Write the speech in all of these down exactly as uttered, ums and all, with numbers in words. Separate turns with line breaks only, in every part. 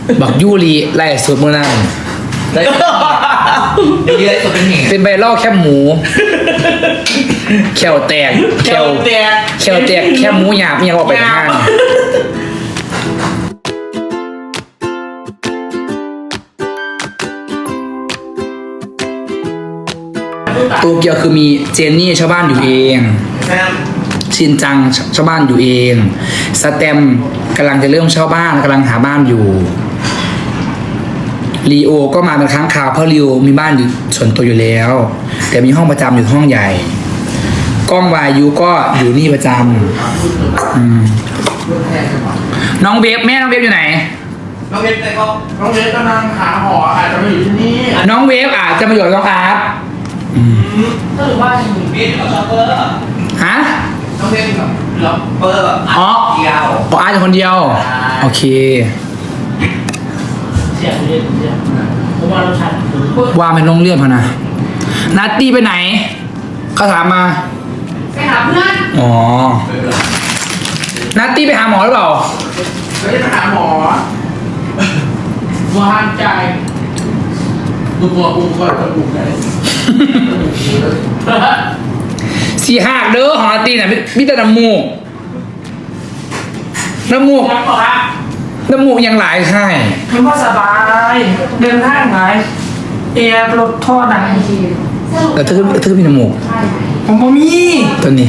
บักยูรีไล่สุดมือนั่น
ได้ดีเลยสุดเป็นเหตุ
เป็นใบล่อแคบหมูแขวแตก
แขวแตก
แขวแตกแคบหมูหยาบยังออกไปข้างโตเกียวคือมีเจนนี่ชาวบ้านอยู่เองชินจังชาวบ้านอยู่เองสแตมกำลังจะเริ่มเช่าบ้านกำลังหาบ้านอยู่ลีโอก็มาเป็นครั้งคราวเพราะลีโอมีบ้านอยู่ส่วนตัวอยู่แล้ว แต่มีห้องประจำอยู่ห้องใหญ่กล้องวายุก็อยู่นี่ประจำอืมน้องเวฟแม่น้องเวฟอยู่ไหน
น้องเวฟแต่ก็
น้องเวฟกำลังหาหออาจจะมาอยู่ที่นี่
น้องเวฟอาจจะมาอยู่กับน้องอาร์ตอืม
ก็หรือว่า
เวฟกับช็อปเปอร์
ฮะ
น้องเวฟกับล็อปเปอร์แบบ
อ๋อ
เดียว
อ๋ออาร์ตอยู่คนเดียว
ใช่
โอเค
เสียงเรียนเสียงผมว่าเราชัด
ว่าเป็นโรงเรียนพะนะนัตตี้ไปไหนเขาถามมา
ไปหาเพื่อน
อ๋อนัตตี้ไปหาหมอหรือเปล่า
ไม่ได้ไปหาหมอวางใจดูตัวอุ้มก็จะอุ้มได้
สี่หักเด้อของนัตตี้น่ะมิแต่น้ำมูกน้ำมูก
ครับบอกครับ
น้ำมูกยังหลายไข่
คิดว่าสบายเดินทางไหนเอร์รถท่อดัง
แต่เธอเธอมีน้ำมูก
ผมบ่มี
ตัวนี้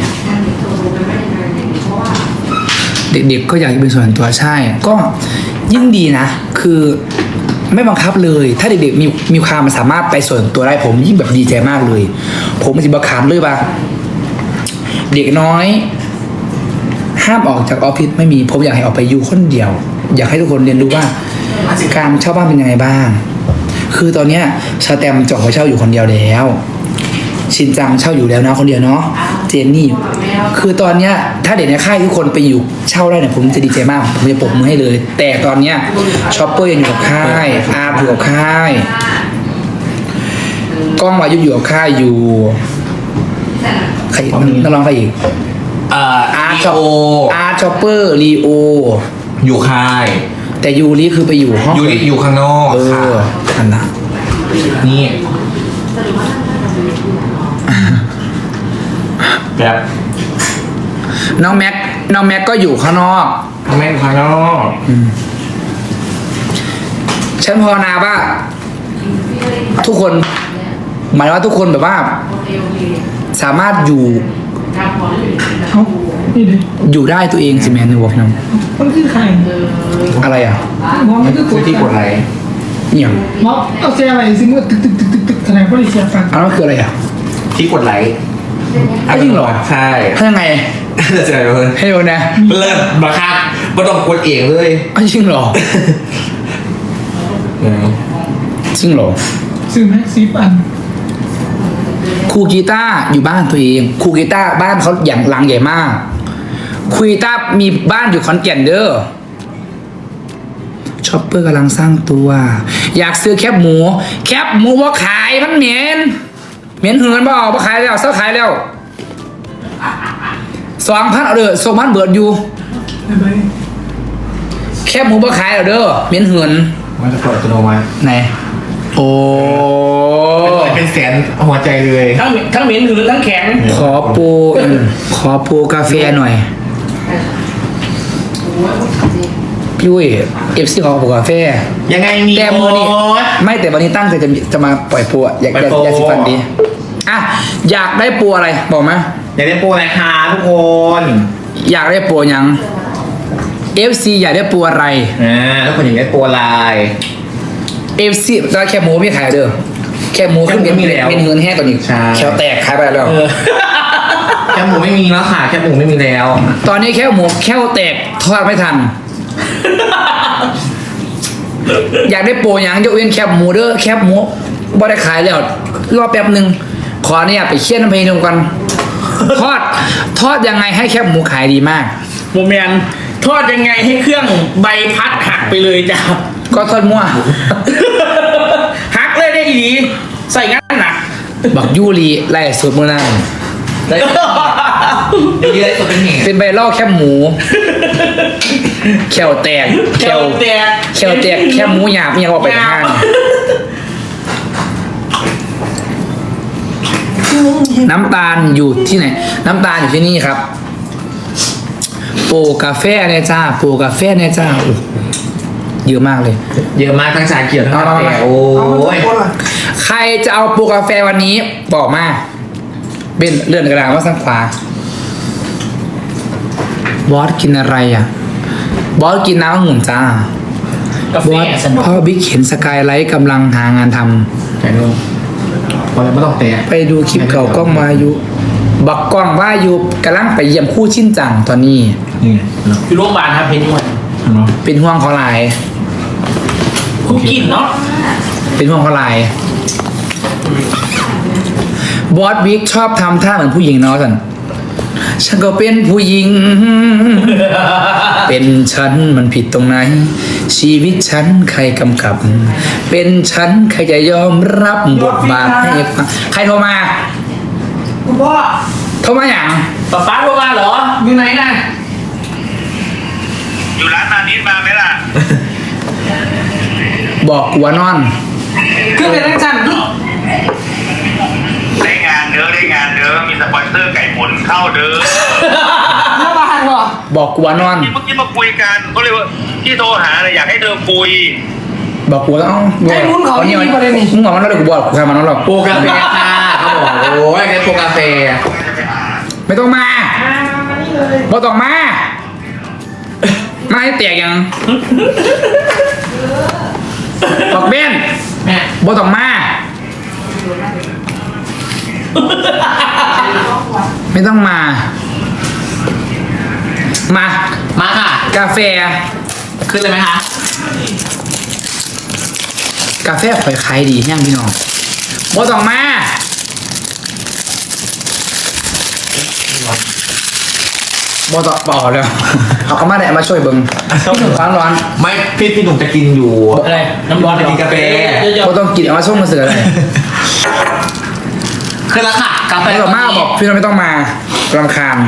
เด็กๆก็อยากจะเป็นส่วนตัวใช่ ก็ยิ่งดีนะ คือไม่บังคับเลย ถ้าเด็กๆมีมีความสามารถไปส่วนตัวได้ผมยิ่งแบบดีใจมากเลย ผมมันจะบังคับเลยปะเด็กน้อย ห้ามออกจากออฟฟิศไม่มีผมอยากให้ออกไปอยู่คนเดียว อยากให้ทุกคนเรียนรู้ว่าการเช่าบ้านเป็นยังไงบ้าง คือตอนเนี้ยสแตมป์จองไปเช่าอยู่คนเดียวแล้ว ชินจังเช่าอยู่แล้วนะคนเดียวเนาะเจนนี่ คือตอนเนี้ยถ้าเด็กในค่ายทุกคนไปอยู่เช่าได้เนี่ยผมจะดีใจมากผมจะปรบมือให้เลย แต่ตอนเนี้ยช็อปเปอร์ยังอยู่กับค่ายอาร์ตอยู่กับค่ายกล้องวายุอยู่กับค่ายอยู่ใครนักร้องใครอีก
เอ่ออา
อาร์
ร์
ช็อป
โอ
อาร์ช็อปเปอร์ลีโอ
อยู่ค่าย
แต่ยูริคือไปอยู่ห้อง
อยู่อยู่ข้างนอก
เอ
ค่ะ
ออันนั้น
นี่แบบ
น้องแม็กน้องแม็กก็อยู่ข้างนอก
ทำไมอยู่ข้างนอก
ฉันภาวนาว่า ทุกคน หมายว่าทุกคนแบบว่า สามารถอยู่
เขานี่ดิ
อยู่ได้ตัวเองสิแมนในวอล์กนั้น
มันคือใคร
อะไรอ่ะ
หมอมันคือก
คือ
ด
ที่กดไลค์
เนี่ย
หมอเอาเสียอะไรซิมือตึกตึกตึกตึกตึกแสดงว่าดิเสียฟัง
อันนั้นคืออะไรอ่ะ
ที่กดไลค์
อ้าวจริงเหรอ
ใช่
ถ้ายังไง
จะเจอเลย
ให้ดูนะ
เลิศบังคับไม่ต้องกดเองเลย
อ้าวจริงเหรอ จริงเหรอ
ซื้อแม็กซีปัน
ครูกีตาร์อยู่บ้านตัวเองครูกีตาร์บ้านเขาอย่างหลังใหญ่มากครูกีตาร์มีบ้านอยู่ขอนแก่นเด้อช็อปเปอร์กำลังสร้างตัว อยากซื้อแคบหมู แคบหมูว่าขายมันเหม็นเหม็นเหือนบ่เอาบ่ขายแล้วเซ้าขายแล้วสองพันเอาเด้อสองพันเบิดอยู่
ได้ไหม
แคบหมูบ่ขายเอาเด้อเหม็นเหือน
มันจะกดอัตโนมัติ
ไหนโอ้
เป็นแสนหัวใจเลย
ทั้งทั้งเหม็นหืนทั้งแข็ง
ขอโปรขอโปรกาแฟหน่อยพี่อุ้ยเอฟซีขอโปรกาแฟ
ยังไงมี
แต่มือนี่ไม่แต่วันนี้ตั้งใจจะมีจะมาปล่อยโปรอะอยากอยากอยากสิฟันดีอ่ะอยากได้โปรอะไรบอกมา
อยากได้โปรอะไรคะทุกคน
อยากได้โปรยัง เอฟ ซี อยากได้โปรอะไร
อ่าทุกคนอยากได้โปรอะไร
เอฟ ซี ตอนแค่หมูไม่ขายเด้อแค่หมูขึ้นเป็น
แค่หมูไม่มีแล้ว
เป็นเงินแห้งกว่านี้
ใช่
แควแตกขายไปแล้ว
แคบหมูไม่มีแล้วค่ะแคบหมูไม่มีแล้ว
ตอนนี้แค่หมูแค่แตกทอดไม่ทัน อยากได้โปรยังยกเว้นแคบหมูเด้อแคบหมูบ่ได้ขายแล้วรอแป๊บหนึ่งขอเนี่ยไปเคี่ยนน้ำเพลงก่อนทอดทอดยังไงให้แคบหมูขายดีมาก
โมเมนทอดยังไงให้เครื่องใบพัดหักไปเลยจ้ะ
ก็ทอดมั่ว
หักเลยได้อีดีใส่งั้นหนัก
บักยูรีไล่สุดมือนั่น
ได้ดีเลยสุดเป็นเหตุ
เป็นใบล่อแคบหมูแควแตก
แค่แตก
แควแตกแค่หมูหยาบยังออกไปทางน้ำตาลอยู่ที่ไหน น้ำตาลอยู่ที่นี่ครับโปรกาแฟเนี่ยจ้าโปรกาแฟเนี่ยจ้าโอ้โหเยอะมากเลย
เยอะมากทั้งชาเขียวทั้งกาแฟโอ้ย
ใครจะเอาโปรกาแฟวันนี้บอกมาเป็นเลื่อนกระดาษว่าซ้ายขวาบอสกินอะไรอ่ะบอสกินน้ำองุ่นจ้าก
าแฟ
บอส
สนุก
พ่อบิ๊กเห็นสกายไลท์กำลังหางานทำ
ไหนดูพอแล้วไม่ต้องเตะ
ไปดูคลิปเก่ากล้องวายุบักกล้องวายุกำลังไปเยี่ยมคู่ชิ้นจังตอนนี้
นี่ไงเนาะ
อยู่โรงพยาบาลครับเพชรนวด
เนาะ
เป็นห่วงเขาหลาย
คุกกินเนาะ
เป็นห่วงเขาหลายบอสบิ๊กชอบทำท่าเหมือนผู้หญิงเนาะสันฉันก็เป็นผู้หญิง เป็นฉันมันผิดตรงไหน ชีวิตฉันใครกำกับ เป็นฉันใครจะยอมรับบทบาทให้ฟังใครโทรมา
คุณพ่อ
โทรมาอย่าง
ป๊าป๊าโทรมาเหรออยู่ไหนน่ะ
อยู่ร้านนานิดมาไหมล่ะ
บอกกูว่านอน
ขึ้นไปทั้งชั้น
ได้งานเด้อได้งานเด้อมีสปอนเซอร์ไก่หมุนเข้าเด้อ
โรงพยาบาลเหรอ
บอกกูว่านอน
ที่เมื่อกี้มาคุยกันก็เลยว่าที่โทรหาเลยอยากให้เธอคุย
บอกกูแล้ว
ไอ้มุ้นเขา
เอา
ดี
เนี่ย
ประเด็นนี้
มึงบอกมันแล้วเดี๋ยวกูบอกกูทำมันแล้วหรอก
โปรกาแฟค่ะเขาบอกโอ้ยแค่โปรกาแฟ
ไม่ต้องมาบอกต้องมามาให้เตียกยังบอกเบน
แม่
บอกต้องมาไม่ต้องมา มา
มาค่ะ
กาแฟ
ขึ้นเลยไหมคะ
กาแฟข่อยขายดีแห้งพี่น้องบอกต้องมาบอต่อปอแล้วเอาเขามาแดดมาช่วยเบิ้งพี่หนุ่มร้อนร้อน
ไม่พี่พี่หนุ่มจะกินอยู่
อะไรน้ำร้อน
จะกินกาแฟ
เยอะ
บอต้องกินเอามาส่งมาเสืออะไร
ๆขึ้นแล้วค่ะกาแฟ
ไม่ต้องมาบอกพี่น้องไม่ต้องมารำคาญ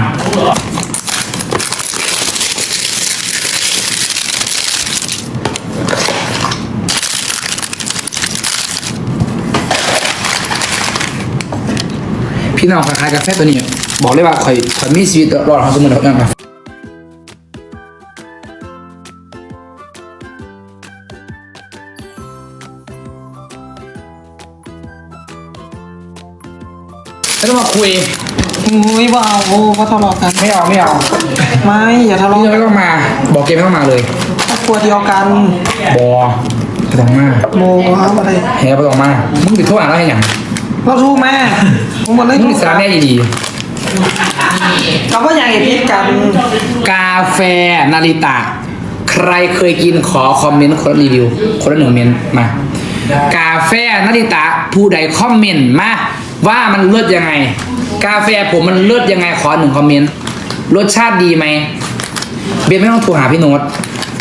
พี่น้องขายกาแฟตัวนี้ บอกเลยว่าข่อยข่อยมีชีวิตรอดของสมุนไพรนะครับไม่ต้องมาคุย
อุ้ยว่าเอาโอ้ก็ทะเลาะกัน
ไม่เอาไม่เอา
ไม่อย่าทะ
พี่
เลาะ
น้องไม่ต้องมา บอกเกมไม่ต้องมาเลย
ครอบครัวเดียวกัน
บอไม่ต้องมา
โมครับอะไร
แฮ่ไม่ต้องมามึงไปโทษอ่านแล้วให้หยัง
เราทูกแม่ผมหมดเลย
มึงสารแม่ดี
เราก็อยากเห็นพิษกัน
ๆกาแฟนาริตะ ใครเคยกินขอคอมเมนต์คนละรีวิว คนละหนึ่งเมนต์มา กาแฟนาริตะ ผู้ใดคอมเมนต์มาว่ามันเลิศยังไง กาแฟผมมันเลิศยังไงขอหนึ่งคอมเมนต์รสชาติดีไหมเบนไม่ต้องโทรหาพี่โน้ต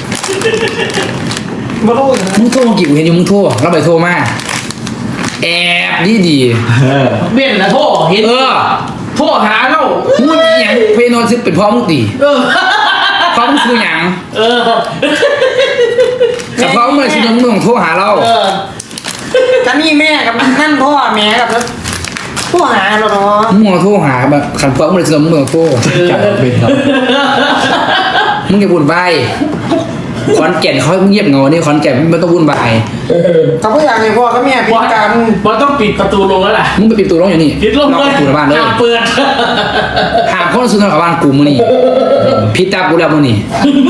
บ่รู้นะ
มึงโทรกี่กูเห็นอยู่มึงโทรเราไปโทรมาแอบดีดี
เบี้ยนนะโทษเห็น
เออ
โทษหาเรา
มึงอย่างเพโนซึเป็นพ่อมึงตี
เออ
พ่อมึงคืออย่าง
เออ
แต่พ่อมึงเลยสิมึงต้องโทรหาเรา
เออ
กันนี่แม่กับนั่นพ่อแม่กับผู้หาเราเนาะ
มึงต้องโทรหาแบบขันพ่อมึงเลยสิมึงต้องโทร
จับเป็นครับ
มึงอย่าบุญใบขอนแก่นเขาเงียบเงานี่ขอนแก่นไม่ต้องวุ่นวาย
เขาก็อยากเห็นพ่อกับแม่พิ
บอ
ษ
ส
กัน
บอสต้องปิดประตูลงแล้วล่ะ
มึงไปปิดประตูร้องอยู่นี่
ปิดลง
ล็อก
เลย
ประตูในบ้านเลย
ห้ามเปิด
หามคนซื้อกับบ้านกูมึงนี่พิดตากูแล้วมึงนี่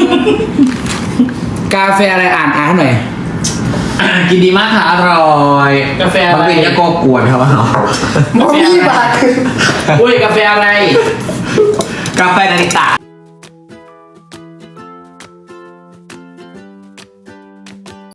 กาแฟอะไรอ่านอ่านให้หน่อย
กินดีมากค่ะอร่อย
กาแฟอะไร
มันเป็นยาโกกวนครับว่า
บ่มีบาท
อุ้ยกาแฟอะไร
กาแฟนาริตะ